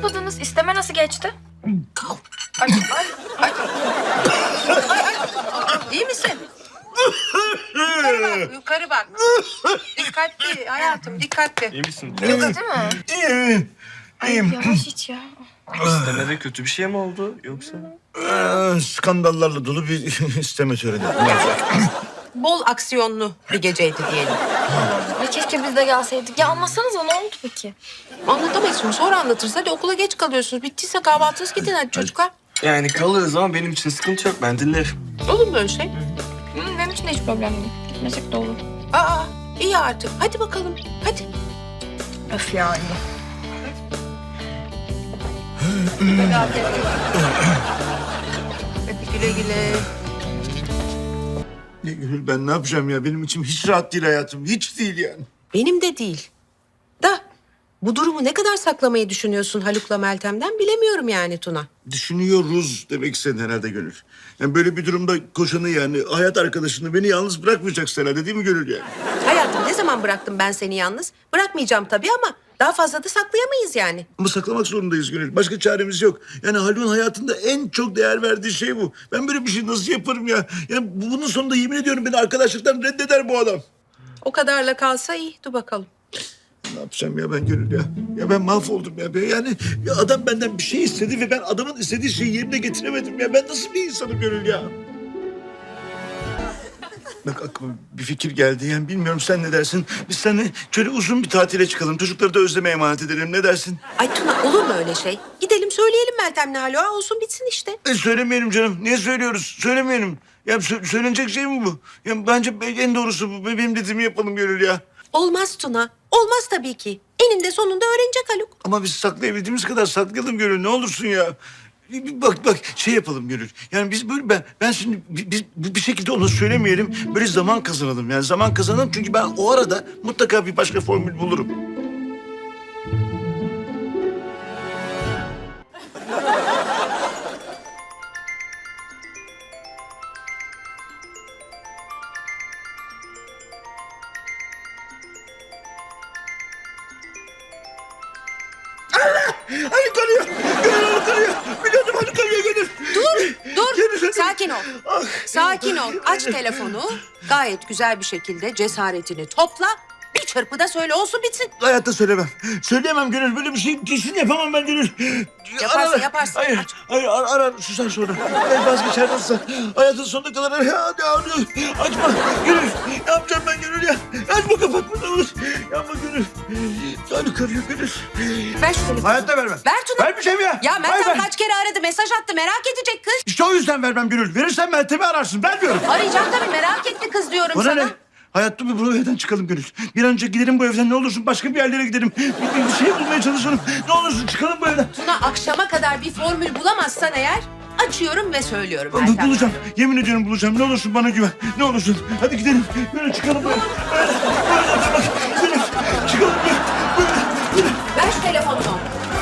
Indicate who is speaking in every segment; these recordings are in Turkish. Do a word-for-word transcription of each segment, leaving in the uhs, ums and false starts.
Speaker 1: yapmadınız? İsteme nasıl geçti?
Speaker 2: Ay, ay, ay. Ay, ay. İyi misin? Yukarı bak, yukarı bak. Dikkatli hayatım, dikkatli.
Speaker 3: İyi misin?
Speaker 1: Değil mi?
Speaker 4: İyiyim.
Speaker 1: Ay
Speaker 4: İyiyim.
Speaker 1: yavaş iç ya.
Speaker 3: İstemede kötü bir şey mi oldu yoksa?
Speaker 4: Ee, skandallarla dolu bir isteme töreni.
Speaker 2: Bol aksiyonlu bir geceydi diyelim.
Speaker 1: Ay keşke biz de gelseydik. Ya anlatsanıza ne oldu peki?
Speaker 2: Anlatamayız şimdi, sonra anlatırız. Hadi okula geç kalıyorsunuz. Bittiyse kahvaltınız gidin hadi çocuklar.
Speaker 3: Yani kalırız ama benim için sıkıntı yok. Ben dinlerim.
Speaker 2: Olur mu öyle şey?
Speaker 1: Hı, benim için de hiç problem değil. Gitmesek de olur.
Speaker 2: Aa, iyi artık. Hadi bakalım, hadi.
Speaker 1: Öf yani.
Speaker 2: Hadi güle güle.
Speaker 4: Ya Gönül, ben ne yapacağım ya? Benim içim hiç rahat değil hayatım. Hiç değil yani.
Speaker 2: Benim de değil. Da bu durumu ne kadar saklamayı düşünüyorsun Haluk'la Meltem'den bilemiyorum yani Tuna.
Speaker 4: Düşünüyoruz demek istedin herhalde Gönül. Yani böyle bir durumda koşanı, yani hayat arkadaşını beni yalnız bırakmayacaksın herhalde, değil mi Gönül yani?
Speaker 2: Hayatım, ne zaman bıraktım ben seni yalnız? Bırakmayacağım tabii ama daha fazla da saklayamayız yani.
Speaker 4: Ama saklamak zorundayız Gönül. Başka çaremiz yok. Yani Haluk'un hayatında en çok değer verdiği şey bu. Ben böyle bir şey nasıl yaparım ya? Yani bunun sonunda yemin ediyorum beni arkadaşlıktan reddeder bu adam.
Speaker 2: O kadarla kalsa iyi. Dur bakalım.
Speaker 4: Ne yapacağım ya ben Gönül ya? Ya ben mahvoldum ya. Ben yani ya adam benden bir şey istedi ve ben adamın istediği şeyi yerine getiremedim ya. Ben nasıl bir insanım Gönül ya? Bak aklıma bir fikir geldi. Yani bilmiyorum, sen ne dersin? Biz seninle şöyle uzun bir tatile çıkalım. Çocukları da özleme emanet edelim. Ne dersin?
Speaker 2: Ay Tuna, olur mu öyle şey? Gidelim söyleyelim Meltem'le Haluk'a, olsun bitsin işte.
Speaker 4: E, söylemeyelim canım. Niye söylüyoruz? Söylemeyelim. Ya sö- söylenecek şey mi bu? Ya bence en doğrusu bu. Benim dediğimi yapalım Gönül ya.
Speaker 2: Olmaz Tuna. Olmaz tabii ki. Eninde sonunda öğrenecek Haluk.
Speaker 4: Ama biz saklayabildiğimiz kadar saklayalım Gönül. Ne olursun ya. Bak bak şey yapalım Gönül. Yani biz böyle ben ben şimdi bi- biz bir şekilde ona söylemeyelim. Böyle zaman kazanalım. Yani zaman kazanalım çünkü ben o arada mutlaka bir başka formül bulurum. Haluk arıyor. Gönül Haluk arıyor. Biliyordum Haluk arıyor Gönül.
Speaker 2: Dur, dur.
Speaker 4: Gönül,
Speaker 2: Sakin ol.
Speaker 4: Ah.
Speaker 2: Sakin ol. Aç telefonu. Gayet güzel bir şekilde cesaretini topla. Bir çırpıda söyle, olsun bitsin.
Speaker 4: Hayatta söylemem. Söyleyemem Gönül. Böyle bir şey kesin yapamam ben Gönül.
Speaker 2: Yaparsın,
Speaker 4: Ara-
Speaker 2: yaparsın.
Speaker 4: Hayır,
Speaker 2: Aç.
Speaker 4: hayır ar arar susar sonra. Ben vazgeçer nasılsa. Hayatın sonuna kadar arar. Ya, ne arıyor? Açma Gönül. Ne yapacağım ben Gönül ya? Açma, kapatma ne olur. Yapma Gönül. Haluk arıyor Gönül.
Speaker 2: Ver şu telefonu.
Speaker 4: Hayatta vermem.
Speaker 2: Ver Tuna.
Speaker 4: Vermeyeceğim ya.
Speaker 2: Ya
Speaker 4: Hayır,
Speaker 2: Meltem
Speaker 4: ver.
Speaker 2: kaç kere aradı, mesaj attı, merak edecek kız.
Speaker 4: İşte o yüzden vermem Gönül. Verirsen Meltem'i ararsın. Vermiyorum.
Speaker 2: Arayacağım tabii, merak etti kız diyorum
Speaker 4: Bana
Speaker 2: sana.
Speaker 4: ne? Hayatta bir bu evden çıkalım Gönül. Bir an önce gidelim bu evden, ne olursun başka bir yerlere gidelim. Bir, bir, bir şey bulmaya çalışalım. Ne olursun çıkalım bu evden.
Speaker 2: Tuna, akşama kadar bir formül bulamazsan eğer açıyorum ve söylüyorum
Speaker 4: Bu-
Speaker 2: Meltem.
Speaker 4: Bulacağım. Yemin ediyorum bulacağım. Ne olursun bana güven. Ne olursun. Hadi gidelim. Böyle çıkalım böyle. Böyle. Böyle. Bak. Gidelim. Çıkalım böyle. Böyle.
Speaker 2: Ver şu telefonunu.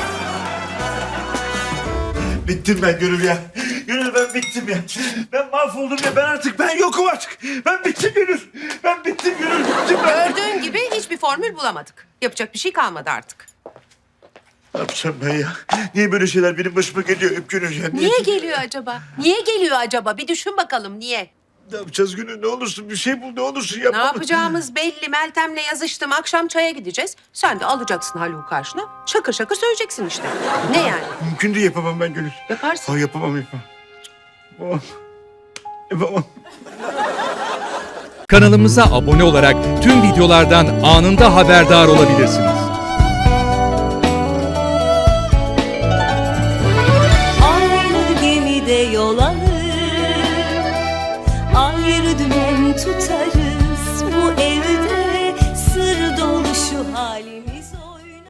Speaker 4: Bittim ben Gönül ya. Gönül ben bittim ya. Ben mahvoldum ya. Ben artık ben yokum artık. Ben bittim Gönül. Ben bittim Gönül. Bittim ben.
Speaker 2: Gördüğün gibi hiçbir formül bulamadık. Yapacak bir şey kalmadı artık.
Speaker 4: Ne yapacağım ben ya? Niye böyle şeyler benim başıma geliyor hep Gönül ya?
Speaker 2: Niye geliyor acaba? Niye geliyor acaba? Bir düşün bakalım niye?
Speaker 4: Ne yapacağız Gönül? Ne olursun bir şey bul. Ne olursun
Speaker 2: Ne
Speaker 4: yapma.
Speaker 2: yapacağımız belli. Meltem'le yazıştım. Akşam çaya gideceğiz. Sen de alacaksın Haluk'u karşına. Şakır şakır söyleyeceksin işte. Ne yani?
Speaker 4: Mümkün değil, yapamam ben Gönül.
Speaker 2: Yaparsın.
Speaker 4: Ha, yapamam yapamam. Yapamam. Yapamam.
Speaker 5: Kanalımıza abone olarak tüm videolardan anında haberdar olabilirsiniz.
Speaker 6: Aynı gemide yol alır, ayrı dümen tutarız.